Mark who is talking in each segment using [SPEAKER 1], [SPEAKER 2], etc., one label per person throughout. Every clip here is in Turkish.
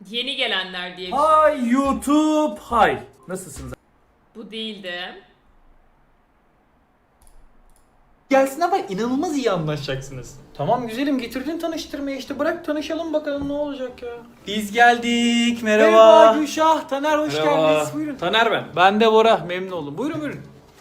[SPEAKER 1] Yeni gelenler diye.
[SPEAKER 2] Hi YouTube, hi. Nasılsınız?
[SPEAKER 1] Bu değildi.
[SPEAKER 3] Gelsin ama inanılmaz iyi anlaşacaksınız. Tamam güzelim, getirdin tanıştırmaya, işte bırak tanışalım bakalım ne olacak ya.
[SPEAKER 2] Biz geldik.
[SPEAKER 3] Merhaba Gülşah, Taner hoş
[SPEAKER 2] Merhaba.
[SPEAKER 3] geldiniz. Buyurun.
[SPEAKER 2] Taner ben.
[SPEAKER 3] Ben de Bora, memnun oldum. Buyurun buyurun.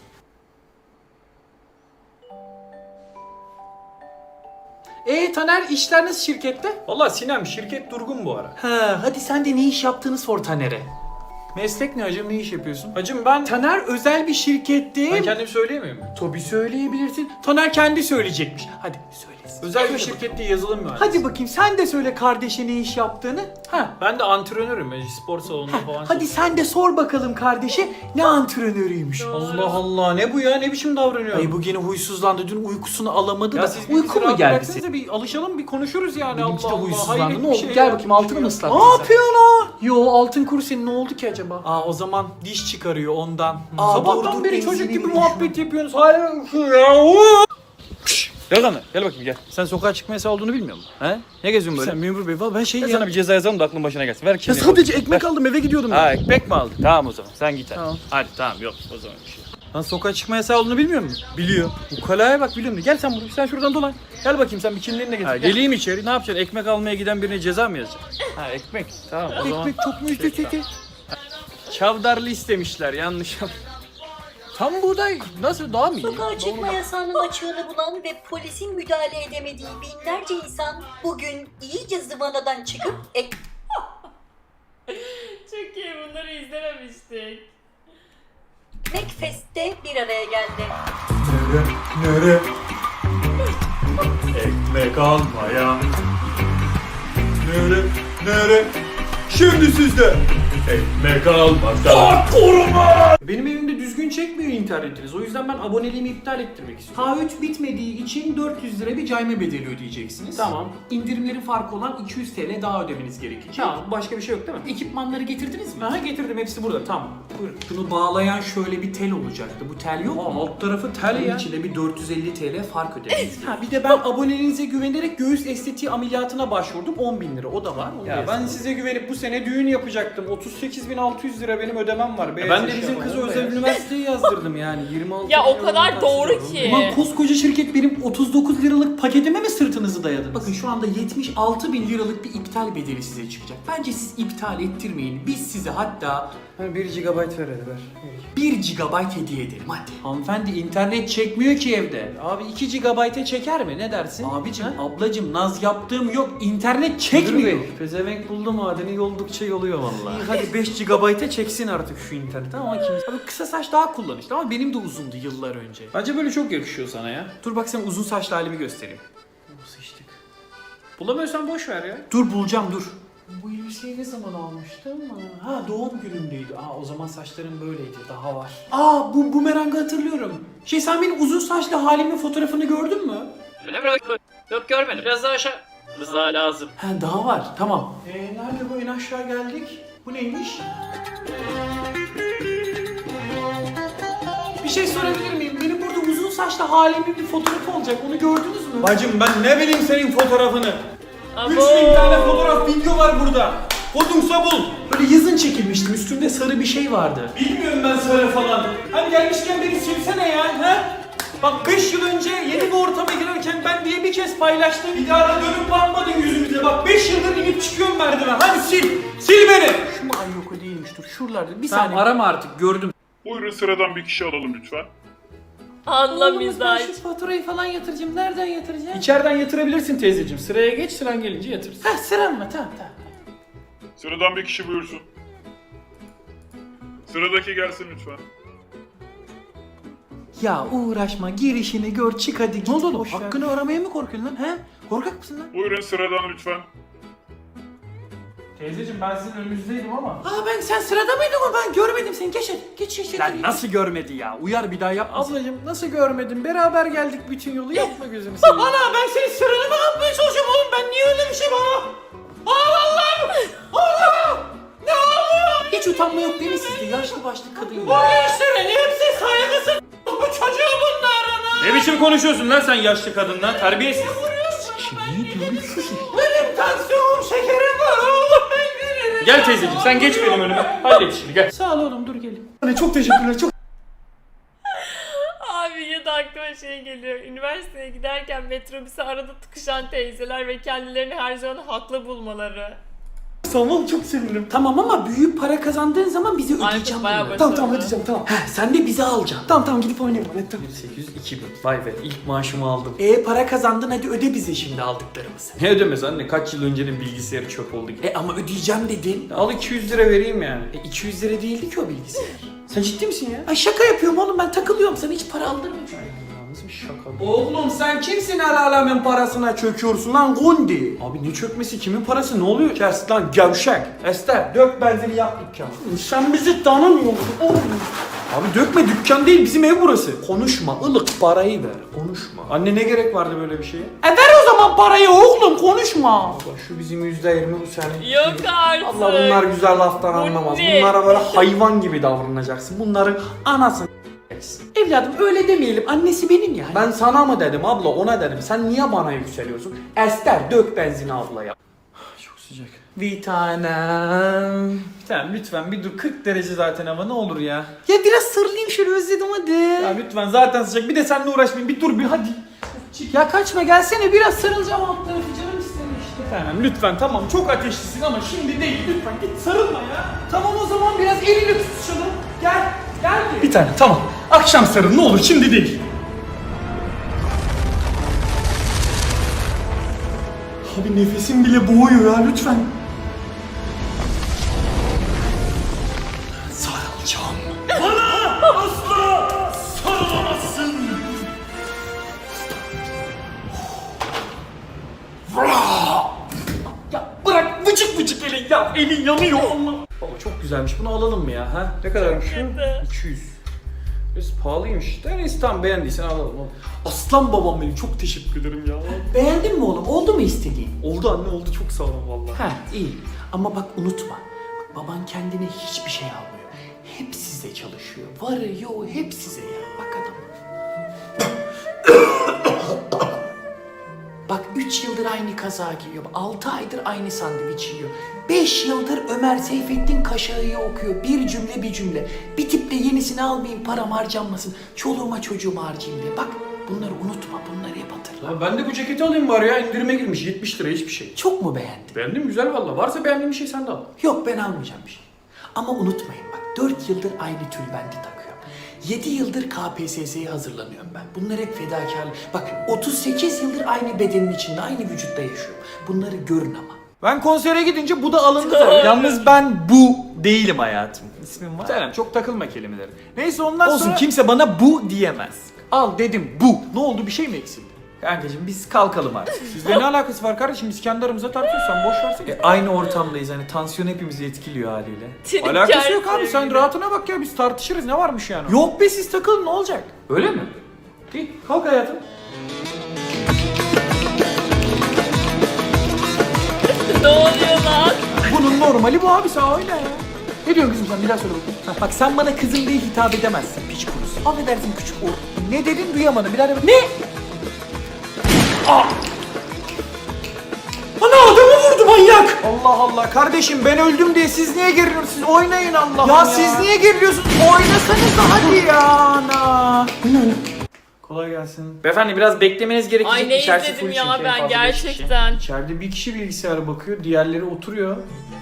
[SPEAKER 3] Taner, işler nasıl şirkette?
[SPEAKER 2] Valla Sinem, şirket durgun bu ara.
[SPEAKER 3] Ha, hadi sen de ne iş yaptığını sor Taner'e. Meslek ne hacım, ne iş yapıyorsun?
[SPEAKER 2] Hacım ben...
[SPEAKER 3] Taner özel bir şirkette.
[SPEAKER 2] Ben kendim söyleyemiyor muyum?
[SPEAKER 3] Tabii söyleyebilirsin. Taner kendi söyleyecekmiş. Hadi söylesin.
[SPEAKER 2] Özel bir şirkette yazılım mühendisi.
[SPEAKER 3] Hadi bakayım sen de söyle kardeşe ne iş yaptığını. Ha.
[SPEAKER 2] Ben de antrenörüm. Spor salonunda falan.
[SPEAKER 3] Hadi sen de sor bakalım kardeşe ne antrenörüymüş.
[SPEAKER 2] Allah Allah, ne bu ya? Ne biçim davranıyor?
[SPEAKER 3] Ay bu gene huysuzlandı. Dün uykusunu alamadı
[SPEAKER 2] Ya
[SPEAKER 3] da.
[SPEAKER 2] siz
[SPEAKER 3] Uyku mu geldi senin?
[SPEAKER 2] senin? Bir alışalım, bir konuşuruz yani.
[SPEAKER 3] Benimki de
[SPEAKER 2] Allah Allah.
[SPEAKER 3] huysuzlandı.
[SPEAKER 2] hayret
[SPEAKER 3] Ne
[SPEAKER 2] bir
[SPEAKER 3] oldu?
[SPEAKER 2] şey
[SPEAKER 3] Gel
[SPEAKER 2] ya.
[SPEAKER 3] bakayım altını mı ıslattın
[SPEAKER 2] Ne
[SPEAKER 3] sen?
[SPEAKER 2] yapıyorsun lan?
[SPEAKER 3] Yo altın kuru senin ne oldu ki acaba?
[SPEAKER 2] Aa, o zaman diş çıkarıyor ondan.
[SPEAKER 3] Aa,
[SPEAKER 2] Sabahtan
[SPEAKER 3] dur,
[SPEAKER 2] beri
[SPEAKER 3] enzimi
[SPEAKER 2] çocuk gibi
[SPEAKER 3] bir
[SPEAKER 2] muhabbet yapıyorsunuz. Hayır ya. Gel lan, gel bakayım gel. Sen sokağa çıkma yasağı olduğunu bilmiyor musun? He? Ne geziyorsun böyle?
[SPEAKER 3] Sen memur bey valla ben şey
[SPEAKER 2] Ben sana bir ceza yazalım da aklın başına gelsin. Ver
[SPEAKER 3] Ya
[SPEAKER 2] kimliğini.
[SPEAKER 3] sadece ekmek aldım eve gidiyordum
[SPEAKER 2] Ha,
[SPEAKER 3] ya.
[SPEAKER 2] ekmek mi aldın? Tamam o zaman, sen git hadi.
[SPEAKER 3] Tamam.
[SPEAKER 2] Hadi tamam, yok o zaman bir şey. Lan sokağa çıkma yasağı olduğunu bilmiyor musun? Biliyor. Ukalaya bak, biliyor musun? Gel sen buraya, sen şuradan dolan. Gel bakayım, sen bir kimliğini de getir. Geleyim içeri, ne yapacaksın? Ekmek almaya giden birine ceza mı yazacaksın? Ha, ekmek. Tamam o zaman.
[SPEAKER 3] Ekmek çok mu ücretli?
[SPEAKER 2] Çavdarlı istemişler, yanlış. Tam buğday nasıl, daha mı iyi?
[SPEAKER 4] Sokağa çıkma yasağının açığını bulan ve polisin müdahale edemediği binlerce insan bugün iyice zıvanadan çıkıp
[SPEAKER 1] Çok iyi, bunları izlememiştik.
[SPEAKER 4] Ekmekfest'te bir araya geldi.
[SPEAKER 2] Nere? Ekmek almaya. Nere? Şimdi sizde. Ekmek almakta.
[SPEAKER 3] Benim evimde düzgün çekmiyor internetiniz. O yüzden ben aboneliğimi iptal ettirmek istiyorum. H3 bitmediği için 400 lira bir cayma bedeli ödeyeceksiniz.
[SPEAKER 2] Tamam.
[SPEAKER 3] İndirimlerin farkı olan 200 TL daha ödemeniz gerekecek.
[SPEAKER 2] Tamam, başka bir şey yok değil mi?
[SPEAKER 3] Ekipmanları getirdiniz mi?
[SPEAKER 2] Aha, getirdim, hepsi burada. Tamam. Buyurun.
[SPEAKER 3] Şunu bağlayan şöyle bir tel olacaktı. Bu tel yok mu?
[SPEAKER 2] Alt tarafı tel
[SPEAKER 3] Bunun
[SPEAKER 2] ya.
[SPEAKER 3] içinde bir 450 TL fark ödediniz.
[SPEAKER 2] Ha, bir de ben aboneliğinize güvenerek göğüs estetiği ameliyatına başvurdum. 10.000 lira. O da var. Onu
[SPEAKER 5] Ya ben size güvenip bu sene düğün yapacaktım. 38.600 lira benim ödemem var.
[SPEAKER 2] ben de bizim kızı özel üniversiteye yazdırdım yani. 26
[SPEAKER 1] Ya o
[SPEAKER 2] milyon
[SPEAKER 1] kadar
[SPEAKER 2] taksit
[SPEAKER 1] doğru
[SPEAKER 2] aldım.
[SPEAKER 1] ki.
[SPEAKER 3] Ulan koskoca şirket benim 39 liralık paketime mi sırtınızı dayadınız? Bakın şu anda 76 bin liralık bir iptal bedeli size çıkacak. Bence siz iptal ettirmeyin. Biz size hatta
[SPEAKER 5] 1 GB ver hadi ver.
[SPEAKER 3] 1 GB hediye edelim hadi. Hanımefendi internet çekmiyor ki evde.
[SPEAKER 5] Abi 2 GB'e çeker mi? Ne dersin?
[SPEAKER 3] Abicim, ablacım naz yaptığım yok. İnternet çekmiyor.
[SPEAKER 5] Pezevenk buldu madeni yoldukça yoluyor vallahi.
[SPEAKER 3] İyi, hadi 5 GB'e çeksin artık şu internet ama kim? Abi kısa saç daha kullanışlı ama benim de uzundu yıllar önce.
[SPEAKER 5] Bence böyle çok yakışıyor sana ya.
[SPEAKER 3] Dur bak sen uzun saçlı halimi göstereyim.
[SPEAKER 5] Sıçtık. Bulamıyorsan boş ver ya.
[SPEAKER 3] Dur bulacağım dur. Bu elbiseyi ne zaman almıştım? Ha doğum günümdeydi. Aa o zaman saçlarım böyleydi. Daha var. Aa bu bumerangı hatırlıyorum. Sen benim uzun saçlı halimin fotoğrafını gördün mü?
[SPEAKER 2] Öyle mi? Yok görmedim. Biraz daha aşağı. Biraz daha lazım.
[SPEAKER 3] Ha daha var. Tamam. Nerede bu? En aşağı geldik. Bu neymiş? Bir şey sorabilir miyim? Benim burada uzun saçlı halimin bir fotoğrafı olacak. Onu gördünüz mü?
[SPEAKER 5] Bacım ben ne bileyim senin fotoğrafını.
[SPEAKER 1] Abo.
[SPEAKER 5] 3000 tane fotoğraf video var burada. Kodumsa bul.
[SPEAKER 3] Böyle yazın çekilmiştim. Üstümde sarı bir şey vardı.
[SPEAKER 5] Bilmiyorum ben söyle falan. Hadi gelmişken beni silsene ya. He? Bak 5 yıl önce yeni bir ortama girerken ben diye bir kez paylaştım. Bir daha da dönüp bakmadın yüzümüze. Bak 5 yıldır inip çıkıyorum merdiven. Hadi sil. Sil beni.
[SPEAKER 3] Şu mu? Ay yok o değilmiş. Dur şuralarda. Bir
[SPEAKER 2] Tamam,
[SPEAKER 3] saniye.
[SPEAKER 2] arama artık, gördüm.
[SPEAKER 6] Buyurun sıradan bir kişi alalım lütfen.
[SPEAKER 1] Anla
[SPEAKER 3] Oğlum, ben
[SPEAKER 1] mizah.
[SPEAKER 3] şu faturayı falan yatıracağım. Nereden yatıracağım?
[SPEAKER 5] İçeriden yatırabilirsin teyzeciğim. Sıraya geç, sıran gelince yatırsın.
[SPEAKER 3] Ha sıram mı? Tamam.
[SPEAKER 6] Sıradan bir kişi buyursun. Sıradaki gelsin lütfen.
[SPEAKER 3] Ya uğraşma girişini gör çık hadi git.
[SPEAKER 5] Ne oldu oğlum?
[SPEAKER 3] Boş ver.
[SPEAKER 5] Hakkını
[SPEAKER 3] aramaya mı korkuyorsun lan? He? Korkak mısın lan?
[SPEAKER 6] Buyurun sıradan lütfen.
[SPEAKER 5] Teyzeciğim ben sizin önünüzdeydim ama.
[SPEAKER 3] Sen sırada mıydın o? Ben görmedim seni. Geç hadi. Geç.
[SPEAKER 2] Lan nasıl görmedi ya? Uyar bir daha yapma.
[SPEAKER 5] Ablacığım nasıl görmedin? Beraber geldik bütün yolu. Yapma gözünü seveyim.
[SPEAKER 3] Ana ben senin sıranı mı yapmaya çalışıyorum oğlum? Ben niye öyle bir şey bana? Allah'ım! Allah! Ne oluyor? Hiç utanma yok değil mi sizde? Yaşlı başlı kadın ya. Bu gençlerin hepsi saygısız. Bu çocuğu bunlar ana.
[SPEAKER 2] Ne biçim konuşuyorsun lan sen yaşlı kadınla? Terbiyesiz.
[SPEAKER 3] Ne diyorsun? Sus.
[SPEAKER 5] Benim tansiyonum şekerim var. Allah ben veririm.
[SPEAKER 2] Gel teyzeciğim sen geç benim önüme. Hallet işini gel. Sağ ol oğlum dur gelin. Anne çok teşekkürler çok.
[SPEAKER 1] Abi ya da aklıma şey geliyor. Üniversiteye giderken metrobüse arada tıkışan teyzeler ve kendilerini her zaman haklı bulmaları.
[SPEAKER 3] Tamam çok sevinirim. Tamam ama büyük para kazandığın zaman bize ödeyeceğim.
[SPEAKER 1] bayağı
[SPEAKER 3] bunları.
[SPEAKER 1] başarılı.
[SPEAKER 3] Tamam ödeyeceğim tamam. Heh, sen de bizi alacaksın. Tamam gidip oynayalım. Evet, tamam.
[SPEAKER 2] 800 2000. Vay be ilk maaşımı aldım.
[SPEAKER 3] Para kazandın hadi öde bize şimdi aldıklarımızı.
[SPEAKER 2] Ne ödemez anne kaç yıl öncenin bilgisayarı çöp oldu ki.
[SPEAKER 3] Ama ödeyeceğim dedin.
[SPEAKER 2] Al 200 lira vereyim yani.
[SPEAKER 3] 200 lira değildi ki o bilgisayar. Sen ciddi misin ya? Ay şaka yapıyorum oğlum ben takılıyorum sana hiç para aldırmayacağım.
[SPEAKER 2] Nasıl bir şaka?
[SPEAKER 3] Oğlum sen kimsin el alemin parasına çöküyorsun lan Gundi?
[SPEAKER 2] Abi ne çökmesi kimin parası ne oluyor?
[SPEAKER 3] Kes lan gevşek. Ester dök benzini yak dükkanı. Sen bizi tanımıyorsun oğlum.
[SPEAKER 2] Abi dökme dükkan değil bizim ev burası.
[SPEAKER 3] Konuşma ılık parayı ver konuşma.
[SPEAKER 2] Anne ne gerek vardı böyle bir şeye?
[SPEAKER 3] Ver o zaman parayı oğlum konuşma.
[SPEAKER 2] Bak şu bizim %20 bu senin.
[SPEAKER 1] Yok artık.
[SPEAKER 3] Allah bunlar güzel laftan anlamaz.
[SPEAKER 1] ne?
[SPEAKER 3] Bunlara böyle hayvan gibi davranacaksın. Bunların anasını Evladım öyle demeyelim. Annesi benim ya. Ben sana mı dedim abla ona dedim. Sen niye bana yükseliyorsun? Ester dök benzini ablaya.
[SPEAKER 2] Çok sıcak.
[SPEAKER 3] Bir tanem.
[SPEAKER 2] Tamam lütfen bir dur 40 derece zaten hava ne olur ya.
[SPEAKER 3] Ya biraz sarılayım şöyle özledim hadi.
[SPEAKER 2] Ya lütfen zaten sıcak bir de seninle uğraşmayayım bir dur bir hadi.
[SPEAKER 3] Ya kaçma gelsene biraz sarılacağım alt tarafı canım istedi işte.
[SPEAKER 2] Tamam lütfen tamam çok ateşlisin ama şimdi değil lütfen git sarılma ya.
[SPEAKER 3] Tamam o zaman biraz elini tutuşalım. Gel. Gel.
[SPEAKER 2] Bir tane tamam. Akşam sarıl ne olur şimdi değil.
[SPEAKER 3] Abi nefesim bile boğuyor ya lütfen. Sarılacağım.
[SPEAKER 2] Sarılamazsın.
[SPEAKER 3] Ya bırak vıcık vıcık elin ya. Elin yanıyor Allah.
[SPEAKER 2] Baba çok güzelmiş bunu alalım mı ya ha? Ne kadarmış şu?
[SPEAKER 1] kötü.
[SPEAKER 2] 200. Biraz pahalıymış. Neyse tamam beğendiysen alalım.
[SPEAKER 3] Aslan babam benim çok teşekkür ederim ya. Beğendin mi oğlum? Oldu mu istediğin?
[SPEAKER 2] Oldu anne oldu çok sağ olun valla.
[SPEAKER 3] Ha iyi. Ama bak unutma. Bak, baban kendine hiçbir şey almıyor. Hep size çalışıyor. Varı yoğu hep size ya. Bak adam. Bak 3 yıldır aynı kaza giyiyor. 6 aydır aynı sandviç yiyor. 5 yıldır Ömer Seyfettin Kaşağı'yı okuyor. Bir cümle bir cümle. Bir tiple yenisini almayayım param harcanmasın. Çoluğuma çocuğuma harcayayım diye. Bak bunları unutma. Bunları hep hatırla.
[SPEAKER 2] Ya ben de bu ceketi alayım bari ya indirime girmiş 70 lira hiçbir şey.
[SPEAKER 3] Çok mu beğendin?
[SPEAKER 2] Beğendim güzel valla. Varsa beğendiğin bir şey sen de al.
[SPEAKER 3] Yok ben almayacağım bir şey. Ama unutmayın bak 4 yıldır aynı tülbenti takıyorum. 7 yıldır KPSS'ye hazırlanıyorum ben. Bunlar hep fedakarlık. Bak 38 yıldır aynı bedenin içinde, aynı vücutta yaşıyorum. Bunları görün ama.
[SPEAKER 5] Ben konsere gidince bu da alındı tabii. Yalnız ben bu değilim hayatım. İsmim var.
[SPEAKER 2] Selam çok takılma kelimeleri.
[SPEAKER 5] Neyse ondan
[SPEAKER 2] Olsun,
[SPEAKER 5] sonra... kimse bana bu diyemez. Al dedim bu. Ne oldu bir şey mi eksildi?
[SPEAKER 2] Kankacığım biz kalkalım artık.
[SPEAKER 5] Sizle ne alakası var kardeşim? Biz kendi aramızda tartışıyoruz sen boş versene. Aynı ortamdayız hani tansiyon hepimizi etkiliyor haliyle.
[SPEAKER 1] Trip
[SPEAKER 5] Alakası yok abi
[SPEAKER 1] gelsin.
[SPEAKER 5] sen rahatına bak ya biz tartışırız ne varmış yani?
[SPEAKER 3] Yok be siz takılın ne olacak?
[SPEAKER 2] Öyle mi? İyi kalk hayatım.
[SPEAKER 1] Ne oluyor lan?
[SPEAKER 3] Bunun normali bu abi sen öyle ya. Ne diyorsun kızım sen bir daha söyle bakayım. Ha, bak sen bana kızım diye hitap edemezsin piç kurusu. Affedersin küçük oğlum. Ne dedin duyamadım bir daha de bak. Ne? Ana adamı vurdu manyak.
[SPEAKER 5] Allah Allah kardeşim ben öldüm diye siz niye geriliyorsunuz? Siz oynayın Allah'ım ya.
[SPEAKER 3] Ya siz niye geriliyorsunuz? Oynasanız da hadi ya ana.
[SPEAKER 5] Kolay gelsin.
[SPEAKER 2] Beyefendi biraz beklemeniz gerekecek.
[SPEAKER 1] Ay ne
[SPEAKER 2] İçerisi
[SPEAKER 1] izledim
[SPEAKER 2] full
[SPEAKER 1] ya
[SPEAKER 2] çünkü, en
[SPEAKER 1] ben
[SPEAKER 2] fazla beş kişi.
[SPEAKER 1] gerçekten.
[SPEAKER 2] İçeride bir kişi bilgisayara bakıyor, diğerleri oturuyor.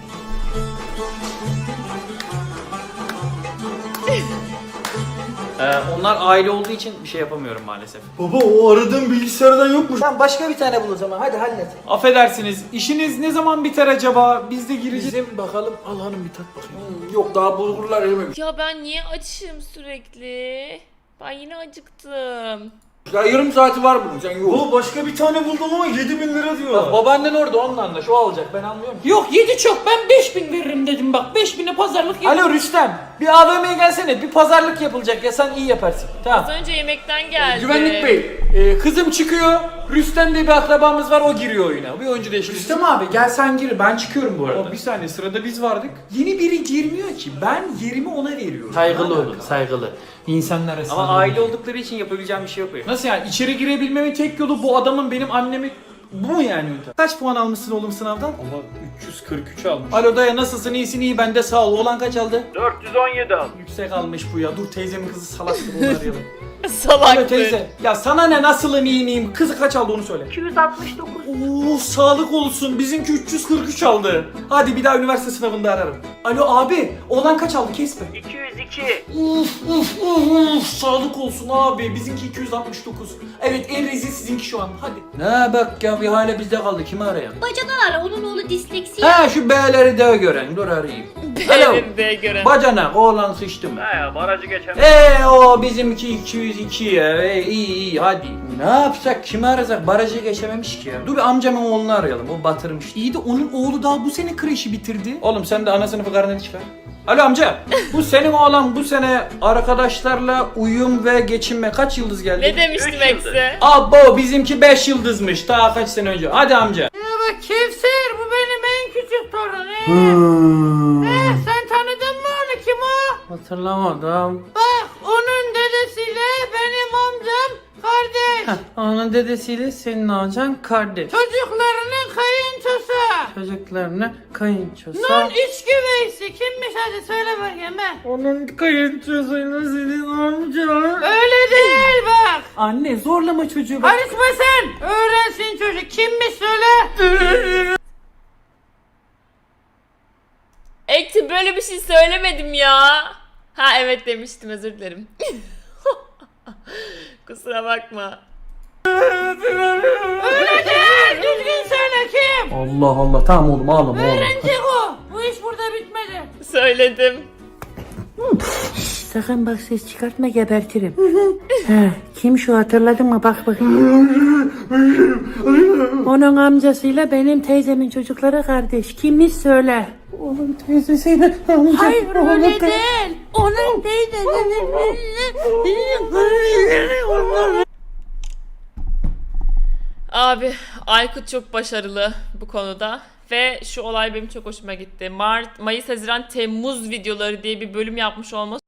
[SPEAKER 2] Onlar aile olduğu için bir şey yapamıyorum maalesef.
[SPEAKER 5] Baba o aradığım bilgisayardan yokmuş.
[SPEAKER 3] Sen başka bir tane bul o zaman hadi hallet.
[SPEAKER 5] Affedersiniz işiniz ne zaman biter acaba? Biz de gireceğiz.
[SPEAKER 3] Bizim bakalım al hanım bir tat bakayım. Yok daha bulgurlar erimemiş.
[SPEAKER 1] Ya ben niye açım sürekli? Ben yine acıktım.
[SPEAKER 3] Ya yarım saati var bunun sen yok.
[SPEAKER 5] Baba başka bir tane buldum ama 7.000 lira diyor.
[SPEAKER 3] Babaannen orada onunla anlaş o alacak ben anlıyorum. Yok 7 çok ben 5.000 veririm dedim bak 5.000'e pazarlık yap.
[SPEAKER 5] Alo Rüstem bir AVM'ye gelsene bir pazarlık yapılacak ya sen iyi yaparsın. Tamam.
[SPEAKER 1] Az önce yemekten geldi.
[SPEAKER 5] Güvenlik Bey kızım çıkıyor Rüstem diye bir akrabamız var o giriyor oyuna. Bir oyuncu değişikliği.
[SPEAKER 3] Rüstem abi gel sen gir ben çıkıyorum bu arada.
[SPEAKER 5] Baba, bir saniye sırada biz vardık.
[SPEAKER 3] Yeni biri girmiyor ki ben yerimi ona veriyorum.
[SPEAKER 5] Saygılı olun saygılı. İnsanlar arasında.
[SPEAKER 2] Ama aile oldukları için yapabileceğim bir şey yok benim.
[SPEAKER 5] Nasıl yani içeri girebilmemin tek yolu bu adamın benim annemi Bu mu yani ünite? Kaç puan almışsın oğlum sınavdan?
[SPEAKER 2] Allah 343 almış.
[SPEAKER 5] Alo dayı nasılsın? İyisin iyi ben de sağ ol. Oğlan kaç aldı?
[SPEAKER 2] 417 almış.
[SPEAKER 5] Yüksek almış bu ya. Dur teyzemin kızı salaktır onu arayalım. Alo
[SPEAKER 1] Salaktır.
[SPEAKER 5] teyze. Ya sana ne nasılım iyi miyim? Kızı kaç aldı onu söyle.
[SPEAKER 4] 269.
[SPEAKER 5] Oo sağlık olsun. Bizimki 343 aldı. Hadi bir daha üniversite sınavında ararım. Alo abi. Oğlan kaç aldı kesme.
[SPEAKER 2] 202.
[SPEAKER 5] Sağlık olsun abi. Bizimki 269. Evet en rezil sizinki şu an. Hadi.
[SPEAKER 2] Ne bak ya bir hale bizde kaldı. Kimi arayalım?
[SPEAKER 4] Bacadan ara, onun oğlu disleksi.
[SPEAKER 2] Ha şu B'leri de gören. Dur arayayım. Alo.
[SPEAKER 1] Elinde gören.
[SPEAKER 2] Bacanak oğlan sıçtı mı? He ya barajı geçemez. O bizimki 202 ya. İyi hadi. Ne yapsak kimi arasak barajı geçememiş ki ya. Dur bir amcamın oğlunu arayalım o batırmış.
[SPEAKER 5] İyi de onun oğlu daha bu sene kreşi bitirdi.
[SPEAKER 2] Oğlum sen de ana sınıfı karneni çıkar. Alo amca. Bu senin oğlan bu sene arkadaşlarla uyum ve geçinme kaç yıldız geldi?
[SPEAKER 1] Ne demiştim Ekse?
[SPEAKER 2] Abo bizimki 5 yıldızmış daha kaç sene önce. Hadi amca.
[SPEAKER 3] Kevser bu benim en küçük torunum. Sen tanıdın mı onu, kim o?
[SPEAKER 2] Hatırlamadım.
[SPEAKER 3] Bak onun dedesiyle benim amcam kardeş.
[SPEAKER 2] Onun dedesiyle senin amcan kardeş.
[SPEAKER 3] Çocuklarının kayınçosu.
[SPEAKER 2] Çocuklarına kayınçosu.
[SPEAKER 3] Nun iç güveysi kimmiş hadi söyle bakayım he.
[SPEAKER 2] Onun kayınçosuyla senin amcan.
[SPEAKER 3] Öyle değil bak.
[SPEAKER 5] Anne zorlama çocuğu. Bak.
[SPEAKER 3] Karışma sen. Öğrensin çocuk kimmiş söyle.
[SPEAKER 1] Ekti böyle bir şey söylemedim ya. Ha evet demiştim, özür dilerim. Kusura bakma.
[SPEAKER 3] Öyle değil. Düzgün söyle kim?
[SPEAKER 5] Allah Allah tamam oğlum ağlama oğlum.
[SPEAKER 3] Öğrenecek o. Bu iş burada bitmedi.
[SPEAKER 1] Söyledim.
[SPEAKER 7] Sakın bak ses çıkartma gebertirim. He, kim şu hatırladın mı bak bakayım. Onun amcasıyla benim teyzemin çocukları kardeş. Kimmiş söyle.
[SPEAKER 5] Onun teyzesiyle amca.
[SPEAKER 3] Hayır öyle değil. Onun teyzesinin.
[SPEAKER 1] Abi Aykut çok başarılı bu konuda ve şu olay benim çok hoşuma gitti. Mart, Mayıs, Haziran, Temmuz videoları diye bir bölüm yapmış olması